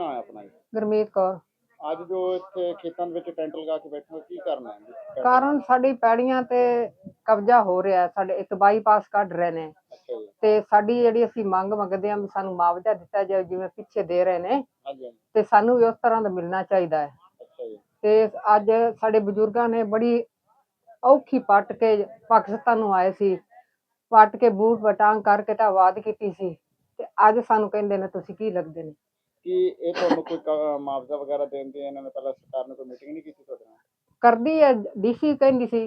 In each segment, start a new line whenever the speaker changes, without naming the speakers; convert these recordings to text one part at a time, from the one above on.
ਨਾਮ ਹੈ ਆਪਣਾ ਜੀ?
ਗੁਰਮੀਤ ਕੌਰ।
ਅੱਜ ਜੋ ਇੱਥੇ ਖੇਤਾਂ ਦੇ ਵਿੱਚ ਟੈਂਟ ਲਗਾ ਕੇ ਬੈਠੇ ਹੋ, ਕੀ ਕਰਨਾ ਹੈ ਜੀ?
ਕਾਰਨ ਸਾਡੀ ਪੈੜੀਆਂ ਤੇ ਕਬਜ਼ਾ ਹੋ ਰਿਹਾ, ਸਾਡੇ ਇੱਕ ਬਾਈਪਾਸ ਕੱਢ ਰਹੇ ਨੇ
ਅੱਛਾ ਜੀ।
ਤੇ ਸਾਡੀ ਜਿਹੜੀ ਅਸੀਂ ਮੰਗ ਮੰਗਦੇ ਹਾਂ ਵੀ ਸਾਨੂੰ ਮੁਆਵਜ਼ਾ ਦਿੱਤਾ ਜਾਵੇ, ਜਿਵੇਂ ਪਿੱਛੇ ਦੇ ਰਹੇ ਨੇ
ਹਾਂਜੀ ਹਾਂਜੀ।
ਤੇ ਸਾਨੂੰ ਵੀ ਉਸ ਤਰ੍ਹਾਂ ਦਾ ਮਿਲਣਾ ਚਾਹੀਦਾ ਹੈ।
ਅੱਛਾ ਜੀ।
ਤੇ ਅੱਜ ਸਾਡੇ ਬਜ਼ੁਰਗਾਂ ਨੇ ਬੜੀ ਔਖੀ ਪੱਟ ਕੇ ਪਾਕਿਸਤਾਨ ਨੂੰ ਆਏ ਸੀ, ਪੱਟ ਕੇ ਬੂਟ ਬਟਾਂਗ ਕਰਕੇ ਤਾਂ ਆਵਾਜ਼ ਕੀਤੀ ਸੀ ਤੇ ਅੱਜ ਸਾਨੂੰ ਕਹਿੰਦੇ ਨੇ ਤੁਸੀਂ ਕੀ ਲੱਗਦੇ ਨੇ।
ਕੀ ਇਹ ਤੁਹਾਨੂੰ ਕੋਈ ਮੁਆਵਜ਼ਾ ਵਗੈਰਾ ਦੇਣ ਦੀ ਇਹਨਾਂ ਨੇ ਪਹਿਲਾਂ ਸਰਕਾਰ ਨੇ ਕੋਈ ਮੀਟਿੰਗ ਨਹੀਂ ਕੀਤੀ ਤੁਹਾਡੇ ਨਾਲ?
ਕਰਦੀ ਹੈ, ਡੀਸੀ ਕਹਿੰਦੀ ਸੀ,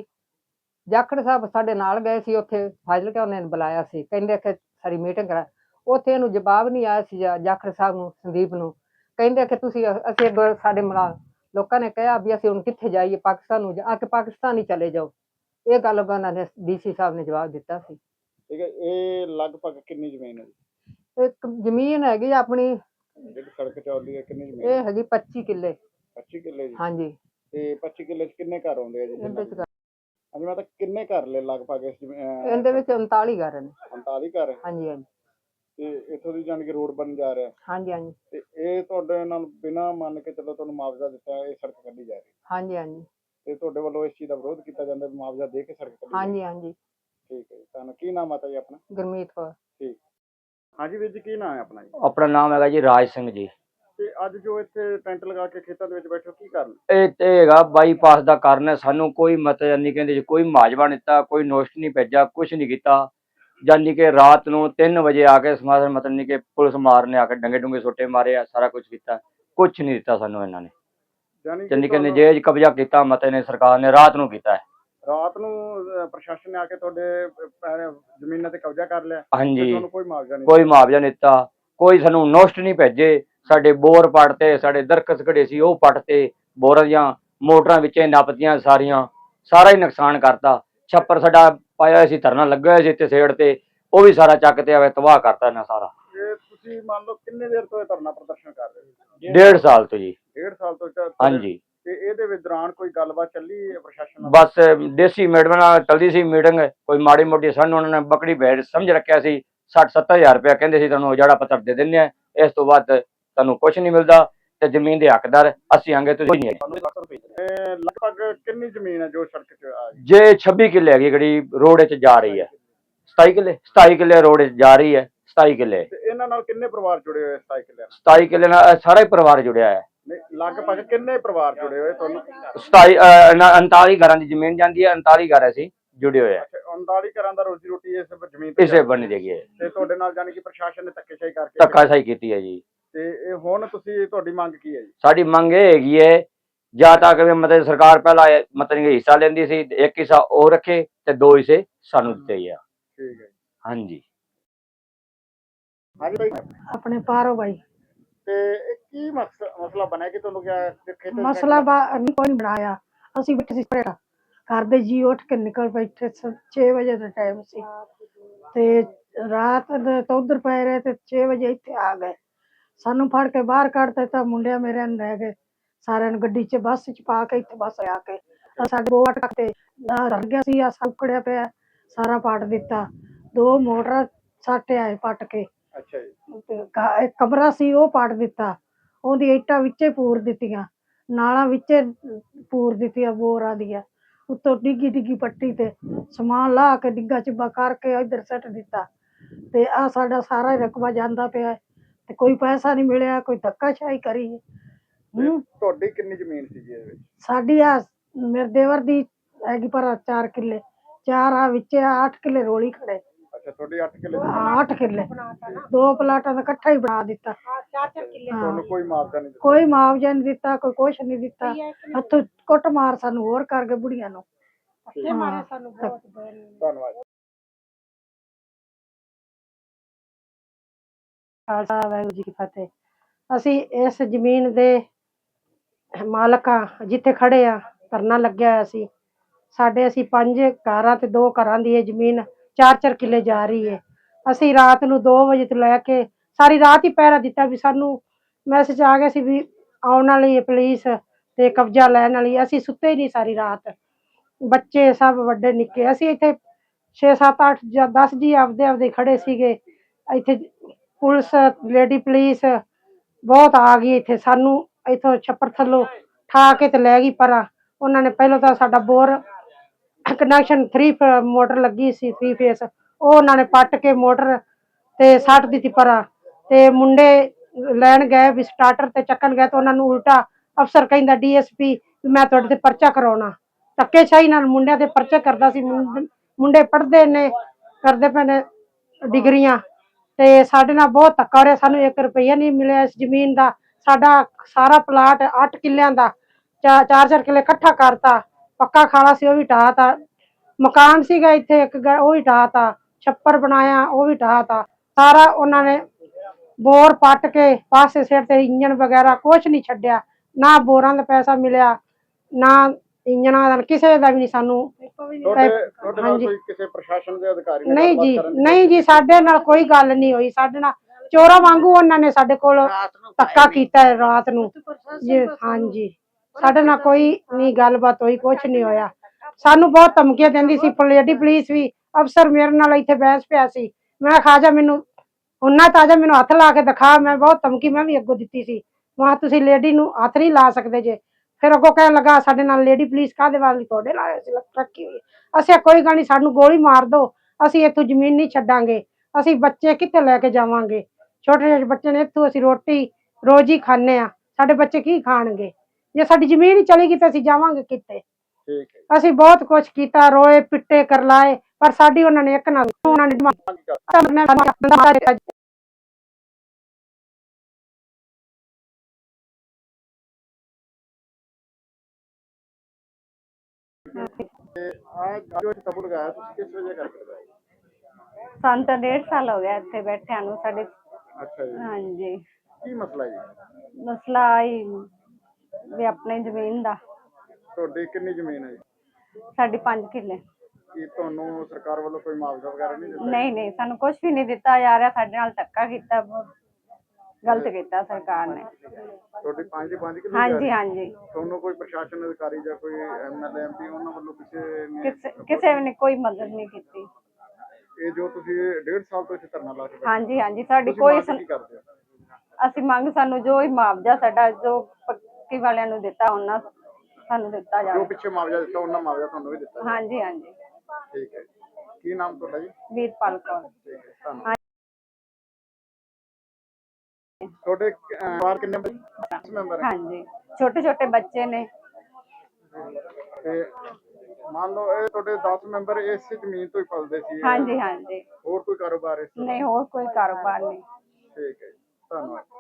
ਜਾਖੜ ਸਾਹਿਬ ਸਾਡੇ ਨਾਲ ਗਏ ਸੀ, ਉੱਥੇ ਫਾਜ਼ਿਲਕਾ ਉਹਨੇ ਬੁਲਾਇਆ ਸੀ, ਕਹਿੰਦੇ ਕਿ ਸਾਡੀ ਮੀਟਿੰਗ ਕਰਾ। ਉੱਥੇ ਇਹਨੂੰ ਜਵਾਬ ਨਹੀਂ ਆਇਆ ਸੀ ਜਾਖੜ ਸਾਹਿਬ ਨੂੰ, ਸੰਦੀਪ ਨੂੰ, ਕਹਿੰਦੇ ਕਿ ਤੁਸੀਂ ਅਸੀਂ ਸਾਡੇ ਲੋਕਾਂ ਨੇ ਕਿਹਾ ਵੀ ਅਸੀਂ ਹੁਣ ਕਿੱਥੇ ਜਾਈਏ, ਪਾਕਿਸਤਾਨ ਨੂੰ ਆ ਕੇ ਪਾਕਿਸਤਾਨ ਹੀ ਚਲੇ ਜਾਓ। ਇਹ ਗੱਲ ਉਹਨਾਂ ਨੇ ਡੀਸੀ ਸਾਹਿਬ ਨੇ ਜਵਾਬ ਦਿੱਤਾ ਸੀ।
ਠੀਕ ਹੈ, ਇਹ ਲਗਭਗ ਕਿੰਨੀ ਜ਼ਮੀਨ ਹੈ ਜੀ?
ਇੱਕ ਜ਼ਮੀਨ ਹੈਗੀ ਆਪਣੀ,
ਜਿਹੜੀ ਸੜਕ ਚੱਲਦੀ ਹੈ, ਕਿੰਨੀ ਜ਼ਮੀਨ?
ਇਹ ਹੈਗੀ 25 ਕਿੱਲੇ।
25 ਕਿੱਲੇ ਜੀ?
ਹਾਂਜੀ।
ਤੇ 25 ਕਿੱਲੇ 'ਚ ਕਿੰਨੇ ਘਰ ਆਉਂਦੇ ਆ ਜੀ?
ਇਹਦੇ ਵਿੱਚ
ਹਾਂਜੀ, ਮੈਂ ਤਾਂ ਕਿੰਨੇ ਘਰ ਲੈ ਲਗਭਗ ਇਸ
ਇਹਦੇ ਵਿੱਚ 39 ਘਰ ਨੇ।
39 ਘਰ?
ਹਾਂਜੀ ਹਾਂਜੀ।
ਤੇ ਇੱਥੋਂ ਦੀ ਜਾਣ ਕੇ ਰੋਡ ਬਣ ਜਾ ਰਿਹਾ?
ਹਾਂਜੀ ਹਾਂਜੀ।
ਤੇ ਇਹ ਤੁਹਾਡੇ ਨਾਲ ਬਿਨਾਂ ਮੰਨ ਕੇ ਚਲੋ ਤੁਹਾਨੂੰ ਮੁਆਵਜ਼ਾ ਦਿੱਤਾ, ਇਹ ਸੜਕ ਕੱਢੀ ਜਾ ਰਹੀ?
ਹਾਂਜੀ ਹਾਂਜੀ।
ਤੇ ਤੁਹਾਡੇ ਵੱਲੋਂ ਇਸ ਚੀਜ਼ ਦਾ ਵਿਰੋਧ ਕੀਤਾ ਜਾਂਦਾ, ਮੁਆਵਜ਼ਾ ਦੇ ਕੇ ਸੜਕ ਕੱਢੀ?
ਹਾਂਜੀ ਹਾਂਜੀ।
ਠੀਕ ਹੈ ਜੀ, ਤੁਹਾਨੂੰ ਕੀ ਨਾਮ ਆਤਾ ਜੀ ਆਪਣਾ?
ਗੁਰਮੀਤ ਕੌਰ।
ਠੀਕ। ਹਾਂਜੀ ਵੀਰ ਜੀ, ਕੀ ਨਾਮ ਹੈ ਆਪਣਾ ਜੀ?
ਆਪਣਾ ਨਾਮ ਹੈਗਾ ਜੀ ਰਾਜ ਸਿੰਘ ਜੀ।
ਤੇ ਅੱਜ ਜੋ ਇੱਥੇ ਟੈਂਟ ਲਗਾ ਕੇ ਖੇਤਾਂ ਦੇ ਵਿੱਚ ਬੈਠੇ ਹੋ, ਕੀ ਕਾਰਨ?
ਇਹ ਤੇ ਹੈਗਾ ਬਾਈਪਾਸ ਦਾ ਕਾਰਨ ਹੈ। ਸਾਨੂੰ ਕੋਈ ਮਤਲਬ ਨਹੀਂ, ਕਹਿੰਦੇ ਜੀ ਕੋਈ ਮੁਆਵਜ਼ਾ ਨਹੀਂ ਦਿੱਤਾ, ਕੋਈ ਨੋਟਿਸ ਨਹੀਂ ਭੇਜਿਆ, ਕੁਝ ਨਹੀਂ ਕੀਤਾ। ਜਾਨੀ ਕਿ ਰਾਤ ਨੂੰ 3 ਵਜੇ ਆ ਕੇ ਸਮਾਜ ਮਤਲਬ ਨਹੀਂ ਕਿ ਪੁਲਿਸ ਮਾਰਨੇ ਆ ਕੇ ਡੰਗੇ ਡੁੰਗੇ ਸੋਟੇ ਮਾਰੇ ਆ, ਸਾਰਾ ਕੁਝ ਕੀਤਾ, ਕੁਝ ਨਹੀਂ ਦਿੱਤਾ ਸਾਨੂੰ ਇਹਨਾਂ ਨੇ। ਜਾਨੀ ਕਿ ਨਜਾਇਜ਼ ਕਬਜ਼ਾ ਕੀਤਾ ਮਤੇ ਨੇ, ਸਰਕਾਰ ਨੇ ਰਾਤ ਨੂੰ ਕੀਤਾ ਹੈ।
ਰਾਤ ਨੂੰ ਪ੍ਰਸ਼ਾਸਨ ਨੇ ਆ ਕੇ ਤੁਹਾਡੇ ਜ਼ਮੀਨਾਂ ਤੇ ਕਬਜ਼ਾ ਕਰ ਲਿਆ?
ਹਾਂਜੀ।
ਤੁਹਾਨੂੰ ਕੋਈ ਮੁਆਵਜ਼ਾ ਨਹੀਂ?
ਕੋਈ ਮੁਆਵਜ਼ਾ ਨਹੀਂ ਦਿੱਤਾ, ਕੋਈ ਸਾਨੂੰ ਨੋਟਿਸ ਨਹੀਂ ਭੇਜੇ। ਸਾਡੇ ਬੋਰ ਪੱਟਤੇ, ਸਾਡੇ ਦਰਖਤ ਖੜੇ ਸੀ ਉਹ ਪੱਟਤੇ, ਬੋਰਾਂ ਦੀਆਂ ਮੋਟਰਾਂ ਵਿੱਚ ਨੱਪਤੀਆਂ ਸਾਰੀਆਂ, ਸਾਰਾ ਹੀ ਨੁਕਸਾਨ ਕਰਤਾ। ਛੱਪਰ ਸਾਡਾ ਪਾਇਆ ਹੋਇਆ ਸੀ, ਧਰਨਾ ਲੱਗਾ ਹੋਇਆ ਸੀ ਇੱਥੇ ਸਾਈਡ ਤੇ, ਉਹ ਵੀ ਸਾਰਾ ਚੱਕ ਤੇ ਆਵੇ ਤਬਾਹ ਕਰਤਾ ਇਹਨਾਂ ਸਾਰਾ।
ਇਹ ਤੁਸੀਂ ਮੰਨ ਲਓ ਕਿੰਨੇ ਦੇਰ ਤੋਂ ਇਹ ਧਰਨਾ ਪ੍ਰਦਰਸ਼ਨ ਕਰ ਰਹੇ ਹੋ?
1.5 ਸਾਲ ਤੋਂ ਜੀ।
1.5 ਸਾਲ ਤੋਂ?
ਹਾਂਜੀ।
ਤੇ ਇਹਦੇ ਵਿੱਚ ਦੌਰਾਨ ਕੋਈ ਗੱਲਬਾਤ ਚੱਲੀ ਹੈ ਪ੍ਰਸ਼ਾਸਨ ਨਾਲ?
ਬਸ ਦੇਸੀ ਮੈਡਮ ਨਾਲ ਚਲਦੀ ਸੀ ਮੀਟਿੰਗ, ਕੋਈ ਮਾੜੀ ਮੋਟੀ ਸਾਨੂੰ ਉਹਨਾਂ ਨੇ ਬੱਕੜੀ ਭੇਡ ਸਮਝ ਰੱਖਿਆ ਸੀ। 60-70 ਹਜ਼ਾਰ ਰੁਪਇਆ ਕਹਿੰਦੇ ਸੀ ਤੁਹਾਨੂੰ ਉਜਾੜਾ ਪੱਤਰ ਦੇ ਦਿੰਦੇ ਆ, ਇਸ ਤੋਂ ਬਾਅਦ ਤੁਹਾਨੂੰ ਕੁਝ ਨਹੀਂ ਮਿਲਦਾ ਤੇ ਜ਼ਮੀਨ ਦੇ ਹੱਕਦਾਰ ਅਸੀਂ ਆਂਗੇ, ਤੁਸੀਂ ਨਹੀਂ ਹੈਗੇ।
ਲਗਭਗ ਕਿੰਨੀ ਜ਼ਮੀਨ ਹੈ ਜੋ ਸੜਕ 'ਚ ਆ ਗਈ?
ਜੇ 26 ਕਿੱਲੇ ਹੈਗੀ ਜਿਹੜੀ ਰੋਡ 'ਚ ਜਾ ਰਹੀ ਹੈ। 27 ਕਿੱਲੇ ਰੋਡ 'ਚ ਜਾ ਰਹੀ ਹੈ। 27 ਕਿੱਲੇ।
ਤੇ ਇਹਨਾਂ ਨਾਲ ਕਿੰਨੇ ਪਰਿਵਾਰ ਜੁੜੇ ਹੋਏ? 27 ਕਿੱਲਿਆਂ ਨਾਲ?
27 ਕਿੱਲੇ ਨਾਲ ਸਾਰਾ ਹੀ ਪਰਿਵਾਰ ਜੁੜਿਆ ਹੈ।
ਲਗਭਗ ਕਿੰਨੇ ਪਰਿਵਾਰ ਜੁੜੇ ਹੋਏ ਤੁਹਾਨੂੰ?
39 ਘਰਾਂ ਦੀ ਜ਼ਮੀਨ ਜਾਂਦੀ ਹੈ, 39 ਘਰ ਅਸੀਂ ਜੁੜੇ ਹੋਏ ਆ।
39 ਘਰਾਂ ਦਾ ਰੋਜ਼ੀ ਰੋਟੀ ਇਸ ਜ਼ਮੀਨ ਤੇ
ਇਸੇ ਬਣੀ ਹੈਗੀ ਹੈ।
ਤੇ ਤੁਹਾਡੇ ਨਾਲ ਜਾਨੀ ਕਿ ਪ੍ਰਸ਼ਾਸਨ ਨੇ ਧੱਕੇਸ਼ਾਹੀ ਕਰਕੇ
ਧੱਕਾਸ਼ਾਹੀ ਕੀਤੀ ਹੈ ਜੀ।
ਤੇ ਇਹ ਹੁਣ ਤੁਹਾਡੀ ਮੰਗ ਕੀ ਹੈ ਜੀ?
ਸਾਡੀ ਮੰਗ ਇਹ ਹੈਗੀ ਹੈ, ਜਾਂ ਤੱਕ ਮਤਲਬ ਸਰਕਾਰ ਪਹਿਲਾਂ ਮਤਲਬ ਹਿੱਸਾ ਲੈਂਦੀ ਸੀ, ਇੱਕ ਹਿੱਸਾ ਉਹ ਰੱਖੇ ਤੇ 2 ਹਿੱਸੇ ਸਾਨੂੰ ਦਿੱਤੇ ਆ।
ਠੀਕ ਹੈ।
ਹਾਂਜੀ।
ਹਾਂਜੀ ਭਾਈ।
ਆਪਣੇ ਪਾਰੋ ਭਾਈ।
ਤੇ ਇਹ ਕੀ ਮਸਲਾ ਬਣਿਆ ਕਿ ਤੁਹਾਨੂੰ ਕਿਹਾ
ਮਸਲਾ ਕੋਈ ਨਹੀਂ ਬਣਾਇਆ, ਅਸੀਂ ਬੈਠੇ ਸੀ ਘਰ ਦੇ ਜੀ ਉੱਠ ਕੇ ਨਿਕਲ ਬੈਠੇ, 6 ਵਜੇ ਦਾ ਟਾਈਮ ਸੀ ਤੇ ਰਾਤ ਤੋਂ ਉਧਰ ਪੈ ਰਹੇ ਤੇ 6 ਵਜੇ ਇੱਥੇ ਆ ਗਏ। ਸਾਨੂੰ ਫੜ ਕੇ ਬਾਹਰ ਕੱਢ ਦਿੱਤਾ, ਮੁੰਡਿਆਂ ਮੇਰੇ ਨੂੰ ਲੈ ਗਏ ਸਾਰਿਆਂ ਨੂੰ ਗੱਡੀ 'ਚ ਬੱਸ 'ਚ ਪਾ ਕੇ, ਇੱਥੇ ਬੱਸ ਆ ਕੇ ਸਾਡੇ 2 ਅੱਟ ਤੇ ਰਲ ਗਿਆ ਸੀ, ਆ ਸੌਕੜਿਆ ਪਿਆ ਸਾਰਾ ਪੱਟ ਦਿੱਤਾ। 2 ਮੋਟਰ ਸਾਟੇ ਆਏ ਪੱਟ ਕੇ।
ਅੱਛਾ ਜੀ।
ਇੱਕ ਕਮਰਾ ਸੀ ਉਹ ਪੱਟ ਦਿੱਤਾ, ਉਹਦੀ ਇੱਟਾਂ ਵਿੱਚੇ ਪੂਰ ਦਿੱਤੀਆਂ, ਨਾਲਾਂ ਵਿੱਚੇ ਪੂਰ ਦਿੱਤੀਆਂ ਬੋਰਾਂ ਦੀਆਂ, ਉੱਤੋਂ ਡਿੱਗੀ ਪੱਟੀ ਤੇ ਸਮਾਨ ਲਾ ਕੇ ਡਿੱਗਾ ਚਿੱਬਾ ਕਰਕੇ ਇੱਧਰ ਸੱਟ ਦਿੱਤਾ। ਤੇ ਆ ਸਾਡਾ ਸਾਰਾ ਰਕਬਾ ਜਾਂਦਾ ਪਿਆ ਤੇ ਕੋਈ ਪੈਸਾ ਨਹੀਂ ਮਿਲਿਆ, ਕੋਈ ਧੱਕਾਸ਼ਾਹੀ ਕਰੀ।
ਤੁਹਾਡੀ ਕਿੰਨੀ ਜ਼ਮੀਨ ਸੀ ਜੀ ਇਹਦੇ ਵਿੱਚ?
ਸਾਡੀ ਆ ਮੇਰੇ ਦੇਵਰ ਦੀ ਹੈਗੀ ਪਰ 4 ਕਿੱਲੇ, 4 ਆ ਵਿੱਚ 8 ਕਿੱਲੇ ਰੋਲੀ ਖੜੇ।
ਅੱਛਾ, ਤੁਹਾਡੀ 8 ਕਿੱਲੇ?
8 ਕਿੱਲੇ 2 ਪਲਾਟਾਂ ਦਾ ਇਕੱਠਾ ਹੀ ਬਣਾ ਦਿੱਤਾ।
ਤੁਹਾਨੂੰ ਕੋਈ ਮੁਆਵਜ਼ਾ ਨਹੀਂ ਦਿੱਤਾ?
ਕੋਈ ਮੁਆਵਜ਼ਾ ਨਹੀਂ ਦਿੱਤਾ, ਕੋਈ ਕੁਛ ਨਹੀਂ ਦਿੱਤਾ। ਹੱਥੋਂ ਕੁੱਟ ਮਾਰ ਸਾਨੂੰ ਹੋਰ ਕਰ ਗਏ ਬੁੜੀਆਂ ਨੂੰ।
ਧੰਨਵਾਦ।
ਖਾਲਸਾ ਵਾਹਿਗੁਰੂ ਜੀ ਕੀ ਫਤਿਹ। ਅਸੀਂ ਇਸ ਜ਼ਮੀਨ ਦੇ ਮਾਲਕ ਆ, ਜਿੱਥੇ ਖੜੇ ਆ ਧਰਨਾ ਲੱਗਿਆ ਹੋਇਆ ਸੀ। ਸਾਡੇ ਅਸੀਂ 5 ਘਰਾਂ ਤੇ 2 ਘਰਾਂ ਦੀ ਇਹ ਜ਼ਮੀਨ 4-4 ਕਿੱਲੇ ਜਾ ਰਹੀ ਹੈ। ਅਸੀਂ ਰਾਤ ਨੂੰ 2 ਵਜੇ ਤੋਂ ਲੈ ਕੇ ਸਾਰੀ ਰਾਤ ਹੀ ਪਹਿਰਾ ਦਿੱਤਾ ਵੀ ਸਾਨੂੰ ਮੈਸੇਜ ਆ ਗਿਆ ਸੀ ਵੀ ਆਉਣ ਵਾਲੀ ਹੈ ਪੁਲਿਸ ਤੇ ਕਬਜ਼ਾ ਲੈਣ ਵਾਲੀ। ਅਸੀਂ ਸੁੱਤੇ ਹੀ ਨਹੀਂ ਸਾਰੀ ਰਾਤ, ਬੱਚੇ ਸਭ ਵੱਡੇ ਨਿੱਕੇ। ਅਸੀਂ ਇੱਥੇ 6, 7, 8 ਜਾਂ 10 ਜੀ ਆਪਦੇ ਖੜੇ ਸੀਗੇ ਇੱਥੇ। ਪੁਲਿਸ, ਲੇਡੀ ਪੁਲਿਸ ਬਹੁਤ ਆ ਗਈ ਇੱਥੇ, ਸਾਨੂੰ ਇੱਥੋਂ ਛੱਪੜ ਥੱਲੋਂ ਠਾ ਕੇ ਤੇ ਲੈ ਗਈ ਪਰਾਂ। ਉਹਨਾਂ ਨੇ ਪਹਿਲਾਂ ਤਾਂ ਸਾਡਾ ਬੋਰ ਕਨੈਕਸ਼ਨ 3 ਮੋਟਰ ਲੱਗੀ ਸੀ 3 ਫੇਸ, ਉਹ ਉਹਨਾਂ ਨੇ ਪੱਟ ਕੇ ਮੋਟਰ ਤੇ ਸੱਟ ਦਿੱਤੀ ਪਰਾਂ। ਤੇ ਮੁੰਡੇ ਲੈਣ ਗਏ ਵੀ ਸਟਾਰਟਰ ਤੇ ਚੱਕਣ ਗਏ ਤਾਂ ਉਹਨਾਂ ਨੂੰ ਉਲਟਾ ਅਫਸਰ ਕਹਿੰਦਾ DSP ਮੈਂ ਤੁਹਾਡੇ ਤੇ ਪਰਚਾ ਕਰਾਉਣਾ। ਧੱਕੇਸ਼ਾਹੀ ਨਾਲ ਮੁੰਡਿਆਂ ਤੇ ਪਰਚਾ ਕਰਦਾ ਸੀ। ਮੁੰਡੇ ਪੜ੍ਹਦੇ ਨੇ, ਕਰਦੇ ਪਏ ਨੇ ਡਿਗਰੀਆਂ, ਤੇ ਸਾਡੇ ਨਾਲ ਬਹੁਤ ਧੱਕਾ ਹੋ ਰਿਹਾ। ਸਾਨੂੰ 1 ਰੁਪਈਆ ਨਹੀਂ ਮਿਲਿਆ ਇਸ ਜ਼ਮੀਨ ਦਾ। ਸਾਡਾ ਸਾਰਾ ਪਲਾਟ 8 ਕਿੱਲਿਆਂ ਦਾ 4-4 ਕਿੱਲੇ ਇਕੱਠਾ ਕਰਤਾ। ਪੱਕਾ ਖਾਲਾ ਸੀ ਉਹ ਵੀ ਢਾਤਾ। ਮਕਾਨ ਸੀਗਾ ਇੱਥੇ ਇੱਕ ਉਹ ਵੀ ਢਾਤਾ। ਛੱਪਰ ਬਣਾਇਆ ਉਹ ਵੀ ਢਾਤਾ। ਸਾਰਾ ਉਹਨਾਂ ਨੇ ਬੋਰ ਪੱਟ ਕੇ ਪਾਸੇ ਸਿਰ ਤੇ ਇੰਜਣ ਵਗੈਰਾ ਕੁਛ ਨਹੀਂ ਛੱਡਿਆ। ਨਾ ਬੋਰਾਂ ਦਾ ਪੈਸਾ ਮਿਲਿਆ, ਨਾ ਇੰਜਣਾਂ ਦਾ, ਕਿਸੇ ਦਾ ਵੀ ਨਹੀਂ ਸਾਨੂੰ।
ਤੁਹਾਡੇ ਨਾਲ ਕੋਈ ਕਿਸੇ ਪ੍ਰਸ਼ਾਸਨ ਦੇ ਅਧਿਕਾਰੀ ਨੇ
ਨਹੀਂ
ਗੱਲਬਾਤ
ਜੀ,
ਕਰਨ ਦੀ
ਨਹੀਂ ਜੀ, ਸਾਡੇ ਨਾਲ ਕੋਈ ਗੱਲ ਨਹੀਂ ਹੋਈ। ਸਾਡੇ ਨਾਲ ਚੋਰਾਂ ਵਾਂਗੂ ਉਹਨਾਂ ਨੇ ਸਾਡੇ ਕੋਲ ਧੱਕਾ ਕੀਤਾ ਹੈ ਰਾਤ ਨੂੰ ਜੀ। ਹਾਂਜੀ, ਸਾਡੇ ਨਾਲ ਕੋਈ ਨਹੀਂ ਗੱਲਬਾਤ ਹੋਈ, ਕੁਛ ਨਹੀਂ ਹੋਇਆ। ਸਾਨੂੰ ਬਹੁਤ ਧਮਕੀਆਂ ਦਿੰਦੀ ਸੀ ਲੇਡੀ ਪੁਲਿਸ ਵੀ। ਅਫਸਰ ਮੇਰੇ ਨਾਲ ਇੱਥੇ ਬਹਿਸ ਪਿਆ ਸੀ। ਮੈਂ ਖਾਜਾ ਮੈਨੂੰ ਉਹਨਾਂ ਤਾਜਾ ਮੈਨੂੰ ਹੱਥ ਲਾ ਕੇ ਦਿਖਾ। ਮੈਂ ਬਹੁਤ ਧਮਕੀ ਮੈਂ ਵੀ ਅੱਗੋਂ ਦਿੱਤੀ ਸੀ, ਵਾਂ ਤੁਸੀਂ ਲੇਡੀ ਨੂੰ ਹੱਥ ਨਹੀਂ ਲਾ ਸਕਦੇ ਜੇ। ਫਿਰ ਅੱਗੋਂ ਕਹਿਣ ਲੱਗਾ ਸਾਡੇ ਨਾਲ ਲੇਡੀ ਪੁਲਿਸ ਕਾਹਦੇ ਵਾਲੀ ਤੁਹਾਡੇ ਨਾਲ ਰੱਖੀ ਹੋਈ। ਅਸੀਂ ਕੋਈ ਗੱਲ ਨਹੀਂ, ਸਾਨੂੰ ਗੋਲੀ ਮਾਰ ਦੋ, ਅਸੀਂ ਇੱਥੋਂ ਜ਼ਮੀਨ ਨਹੀਂ ਛੱਡਾਂਗੇ। ਅਸੀਂ ਬੱਚੇ ਕਿੱਥੇ ਲੈ ਕੇ ਜਾਵਾਂਗੇ? ਛੋਟੇ ਜਿਹੇ ਬੱਚੇ ਨੇ, ਇੱਥੋਂ ਅਸੀਂ ਰੋਟੀ ਰੋਜ਼ ਹੀ ਖਾਂਦੇ ਆ, ਸਾਡੇ ਬੱਚੇ ਕੀ ਖਾਣਗੇ? ਜੇ ਸਾਡੀ ਜ਼ਮੀਨ ਹੀ ਚਲੀ ਗਈ ਤਾਂ ਅਸੀਂ ਜਾਵਾਂਗੇ ਕਿੱਥੇ?
ਠੀਕ ਹੈ।
ਅਸੀਂ ਬਹੁਤ ਕੁਛ ਕੀਤਾ, ਰੋਏ ਪਿੱਟੇ ਕਰਲਾਏ, ਪਰ ਸਾਡੀ ਉਹਨਾਂ ਨੇ ਇੱਕ ਨਾ ਉਹਨਾਂ ਨੇ
ਆ ਜੋ ਤਬੂ ਲਗਾਇਆ ਤੁਸੀਂ ਕਿਸ ਵਜ੍ਹਾ ਕਰਕੇ ਲਗਾਇਆ?
ਸਾਨੂੰ ਤਾਂ 1.5 ਸਾਲ ਹੋ ਗਿਆ ਇੱਥੇ ਬੈਠਿਆਂ ਨੂੰ ਸਾਡੇ।
ਅੱਛਾ ਜੀ,
ਹਾਂਜੀ,
ਕੀ ਮਸਲਾ ਜੀ?
ਮਸਲਾ ਆਈ ਵੀ ਆਪਣੀ ਜ਼ਮੀਨ ਦਾ।
ਤੁਹਾਡੀ ਕਿੰਨੀ ਜ਼ਮੀਨ ਹੈ ਜੀ?
ਸਾਡੀ 5 ਕਿੱਲੇ।
ਕੀ ਤੁਹਾਨੂੰ ਸਰਕਾਰ ਵੱਲੋਂ ਕੋਈ ਮੁਆਵਜ਼ਾ ਵਗੈਰਾ ਨਹੀਂ ਦਿੱਤਾ?
ਨਹੀਂ ਨਹੀਂ, ਸਾਨੂੰ ਕੁਝ ਵੀ ਨਹੀਂ ਦਿੱਤਾ ਜਾ ਰਿਹਾ। ਸਾਡੇ ਨਾਲ ਧੱਕਾ ਕੀਤਾ, ਬਹੁਤ ਗਲਤ ਕੀਤਾ ਸਰਕਾਰ ਨੇ।
ਤੁਹਾਡੀ 5 ਦੇ 5 ਕਿੱਲੇ?
ਹਾਂਜੀ ਹਾਂਜੀ,
ਤੁਹਾਨੂੰ ਕੋਈ ਪ੍ਰਸ਼ਾਸਨ ਅਧਿਕਾਰੀ ਜਾਂ ਕੋਈ MLA MP ਉਹਨਾਂ ਵੱਲੋਂ ਕਿਸੇ ਨੇ
ਕਿਸੇ ਨੇ ਕੋਈ ਮਦਦ ਨਹੀਂ ਕੀਤੀ।
ਇਹ ਜੋ ਤੁਸੀਂ 1.5 ਸਾਲ ਤੋਂ ਇੱਥੇ ਧਰਨਾ ਲਾ ਕੇ ਬੈਠੇ
ਹਾਂਜੀ ਹਾਂਜੀ, ਸਾਡੀ
ਤੁਸੀਂ
ਕੋਈ
ਮੰਗ ਕੀ ਕਰਦੇ ਹੋ?
ਅਸੀਂ ਮੰਗ ਸਾਨੂੰ ਜੋ ਹੀ ਮੁਆਵਜ਼ਾ ਸਾਡਾ ਜੋ ਪੱਕੀ ਵਾਲਿਆਂ ਨੂੰ ਦਿੱਤਾ ਉਹਨਾਂ ਸਾਨੂੰ ਦਿੱਤਾ
ਜੋ
ਜਾਵੇ।
ਪਿੱਛੇ ਮੁਆਵਜ਼ਾ ਦਿੱਤਾ ਉਹਨਾਂ ਮੁਆਵਜ਼ਾ ਤੁਹਾਨੂੰ ਵੀ ਦਿੱਤਾ?
ਹਾਂਜੀ ਹਾਂਜੀ।
ਠੀਕ ਹੈ। ਕੀ ਨਾਮ ਤੁਹਾਡਾ ਜੀ?
ਵੀਰਪਾਲ ਕੌਰ।
ਠੀਕ ਹੈ, ਧੰਨਵਾਦ। ਤੁਹਾਡੇ ਪਰਿਵਾਰ ਕਿੰਨੇ ਮੈਂਬਰ ਹੈ?
ਹਾਂਜੀ, ਛੋਟੇ ਛੋਟੇ ਬੱਚੇ ਨੇ।
ਤੇ ਮੰਨ ਲਓ ਇਹ ਤੁਹਾਡੇ 10 ਮੈਂਬਰ ਇਸੇ ਜ਼ਮੀਨ ਤੋਂ ਹੀ ਪਲਦੇ ਸੀ?
ਹਾਂਜੀ ਹਾਂਜੀ,
ਹੋਰ ਕੋਈ ਕਾਰੋਬਾਰ ਇਸ ਤਰ੍ਹਾਂ?
ਨਹੀਂ ਹੋਰ ਕੋਈ ਕਾਰੋਬਾਰ ਨਹੀਂ।
ਠੀਕ ਹੈ, ਧੰਨਵਾਦ।